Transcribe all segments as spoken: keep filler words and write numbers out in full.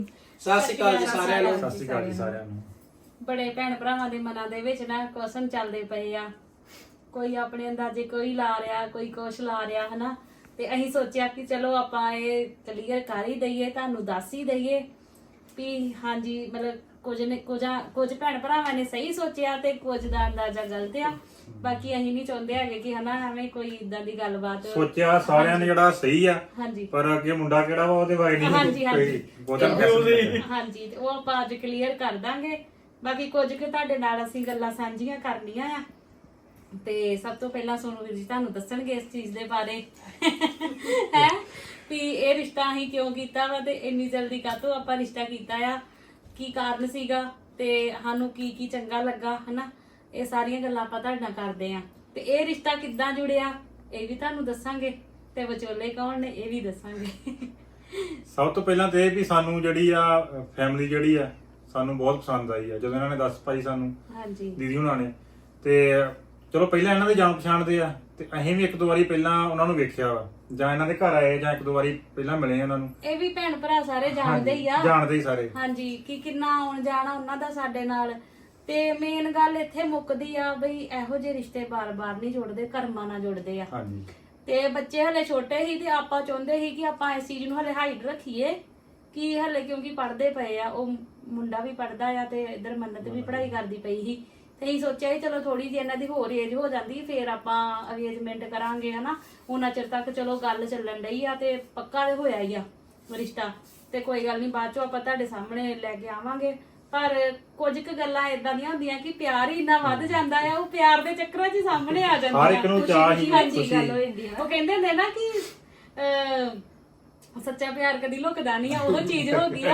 ਸਤਿ ਸ਼੍ਰੀ ਅਕਾਲ ਜੀ ਸਾਰਿਆਂ ਨੂੰ। ਸਤਿ ਸ਼੍ਰੀ ਅਕਾਲ ਜੀ ਸਾਰਿਆਂ ਨੂੰ। ਬੜੇ ਭੈਣ ਭਰਾਵਾਂ ਦੇ ਮਨਾਂ ਦੇ ਵਿੱਚ ਨਾ ਕੁਐਸਚਨ ਚੱਲਦੇ ਪਏ ਆ, ਕੋਈ ਆਪਣੇ ਅੰਦਾਜ਼ੇ ਕੋਈ ਲਾ ਰਿਹਾ, ਕੋਈ ਕੁਛ ਲਾ ਰਿਹਾ ਹਨਾ। ਤੇ ਅਸੀਂ ਸੋਚਿਆ ਕਿ ਚਲੋ ਆਪਾਂ ਇਹ ਕਲੀਅਰ ਕਰ ਹੀ ਦਈਏ, ਤੁਹਾਨੂੰ ਦੱਸ ਹੀ ਦਈਏ ਵੀ ਹਾਂਜੀ ਮਤਲਬ ਕੁਝ ਨੇ ਕੁਝ ਕੁਝ ਭੈਣ ਭਰਾਵਾਂ ਨੇ ਸਹੀ ਸੋਚਿਆ ਤੇ ਕੁਝ ਦਾ ਅੰਦਾਜ਼ਾ ਗਲਤ ਆ। ਬਾਕੀ ਅਸੀਂ ਨਹੀਂ ਚਾਹੁੰਦੇ ਹੈਗੇ ਕਿ ਹਨਾ ਐਵੇਂ ਕੋਈ ਇਦਾਂ ਦੀ ਗੱਲਬਾਤ ਸੋਚਿਆ ਸਾਰਿਆਂ ਨੇ ਜਿਹੜਾ ਸਹੀ ਆ, ਹਾਂਜੀ ਪਰ ਅੱਗੇ ਮੁੰਡਾ ਕਿਹੜਾ ਵਾ ਉਹਦੇ ਬਾਰੇ ਨਹੀਂ ਹਾਂਜੀ ਹਾਂਜੀ ਕੋਈ ਬਹੁਤਾ ਫੈਸਲਾ। ਹਾਂਜੀ ਤੇ ਉਹ ਆਪਾਂ ਅੱਜ ਕਲੀਅਰ ਕਰ ਦਾਂਗੇ। ਬਾਕੀ ਕੁਝ ਕਿ ਤੁਹਾਡੇ ਨਾਲ ਅਸੀਂ ਗੱਲਾਂ ਸਾਂਝੀਆਂ ਕਰਨੀਆਂ ਆ। ਤੇ ਸਭ ਤੋਂ ਪਹਿਲਾਂ ਸੋਨੂ ਵੀਰ ਜੀ ਤੁਹਾਨੂੰ ਦੱਸਣਗੇ ਇਸ ਚੀਜ਼ ਦੇ ਬਾਰੇ ਹੈ ਵੀ ਇਹ ਰਿਸ਼ਤਾ ਅਸੀਂ ਕਿਉਂ ਕੀਤਾ ਵਾ ਤੇ ਇੰਨੀ ਜਲਦੀ ਕਾਹਤੋਂ ਆਪਾਂ ਰਿਸ਼ਤਾ ਕੀਤਾ ਆ, ਕੀ ਕਾਰਨ ਸੀਗਾ ਤੇ ਸਾਨੂੰ ਕੀ ਕੀ ਚੰਗਾ ਲੱਗਾ ਹਨਾ। ਇਹ ਸਾਰੀਆਂ ਗੱਲਾਂ ਆਪਾਂ ਤੁਹਾਡੇ ਨਾਲ ਕਰਦੇ ਆ। ਤੇ ਇਹ ਰਿਸ਼ਤਾ ਕਿੱਦਾਂ ਜੁੜਿਆ ਇਹ ਵੀ ਤੁਹਾਨੂੰ ਦੱਸਾਂਗੇ, ਤੇ ਵਿਚੋਲੇ ਕੌਣ ਨੇ ਇਹ ਵੀ ਦੱਸਾਂਗੇ। ਸਭ ਤੋਂ ਪਹਿਲਾਂ ਤੇ ਇਹ ਵੀ ਸਾਨੂੰ ਜਿਹੜੀ ਆ ਫੈਮਿਲੀ ਜਿਹੜੀ ਆ ਸਾਨੂੰ ਬਹੁਤ ਪਸੰਦ ਆਈ ਆ ਜਦੋਂ ਇਹਨਾਂ ਨੇ ਦੱਸ ਪਾਈ ਸਾਨੂੰ ਹਾਂਜੀ ਦੀਦੀ ਹੁਣਾਂ ਨੇ। ਤੇ ਚਲੋ ਪਹਿਲਾਂ ਇਹਨਾਂ ਦੇ ਜਾਣ ਪਛਾਣ ਦੇ ਆ ਤੇ ਅਸੀਂ ਵੀ ਇੱਕ ਦੋ ਵਾਰੀ ਪਹਿਲਾਂ ਉਹਨਾਂ ਨੂੰ ਵੇਖਿਆ ਵਾ, ਜਾਂ ਇਹਨਾਂ ਦੇ ਘਰ ਆਏ ਜਾਂ ਇੱਕ ਦੋ ਵਾਰੀ ਪਹਿਲਾਂ ਮਿਲੇ ਉਹਨਾਂ ਨੂੰ। ਇਹ ਵੀ ਭੈਣ ਭਰਾ ਸਾਰੇ ਜਾਣਦੇ ਹੀ ਆ, ਜਾਣਦੇ ਹੀ ਸਾਰੇ ਹਾਂਜੀ ਕਿ ਕਿੰਨਾ ਆਉਣ ਜਾਣਾ ਉਹਨਾਂ ਦਾ ਸਾਡੇ ਨਾਲ। ਤੇ ਮੇਨ ਗੱਲ ਇੱਥੇ ਮੁੱਕਦੀ ਆ ਬਈ ਇਹੋ ਜਿਹੇ ਰਿਸ਼ਤੇ ਬਾਰ-ਬਾਰ ਨਹੀਂ ਜੁੜਦੇ, ਕਰਮਾਂ ਨਾਲ ਜੁੜਦੇ ਆ। ਹਾਂਜੀ ਤੇ ਬੱਚੇ ਹਲੇ ਛੋਟੇ ਸੀ ਤੇ ਆਪਾਂ ਚਾਹੁੰਦੇ ਸੀ ਕਿ ਆਪਾਂ ਇਸ ਚੀਜ਼ ਨੂੰ ਹਲੇ ਹਾਈਡ ਰੱਖੀਏ ਕਿ ਹਲੇ ਕਿਉਂਕਿ ਪੜ੍ਹਦੇ ਪਏ ਆ, ਉਹ ਮੁੰਡਾ ਵੀ ਪੜ੍ਹਦਾ ਆ ਤੇ ਇਧਰ ਮੰਨਤ ਵੀ ਪੜ੍ਹਾਈ ਕਰਦੀ ਪਈ ਸੀ। ਤੇ ਅਸੀਂ ਸੋਚਿਆ ਚਲੋ ਥੋੜੀ ਜਿਹੀ ਇਹਨਾਂ ਦੀ ਹੋਰ ਏਜ ਹੋ ਜਾਂਦੀ ਫੇਰ ਆਪਾਂ ਅਰੇਂਜਮੈਂਟ ਕਰਾਂਗੇ ਹਨਾ। ਉਹਨਾਂ ਚਿਰ ਤੱਕ ਚਲੋ ਗੱਲ ਚੱਲਣ ਡਈ ਆ ਤੇ ਪੱਕਾ ਤੇ ਹੋਇਆ ਹੀ ਆ ਰਿਸ਼ਤਾ। ਤੇ ਕੋਈ ਗੱਲ ਨਹੀਂ ਬਾਅਦ ਚੋਂ ਆਪਾਂ ਤੁਹਾਡੇ ਸਾਹਮਣੇ ਲੈ ਕੇ ਆਵਾਂਗੇ। ਪਰ ਕੁਝ ਕੁ ਗੱਲਾਂ ਇਦਾਂ ਦੀਆਂ ਹੁੰਦੀਆਂ ਕਿ ਪਿਆਰ ਹੀ ਇੰਨਾ ਵੱਧ ਜਾਂਦਾ ਆ, ਉਹ ਪਿਆਰ ਦੇ ਚੱਕਰਾਂ 'ਚ ਸਾਹਮਣੇ ਆ ਜਾਂਦੀਆਂ। ਹਰ ਇੱਕ ਨੂੰ ਚਾਹ ਹੀ ਹਾਂਜੀ ਗੱਲ ਹੋ ਜਾਂਦੀ ਆ। ਉਹ ਕਹਿੰਦੇ ਹੁੰਦੇ ਨਾ ਕਿ ਅਹ ਸੱਚਾ ਪਿਆਰ ਕਦੀ ਲੁਕਦਾ ਨਹੀਂ ਆ, ਉਹ ਚੀਜ਼ ਹੋ ਗਈ ਆ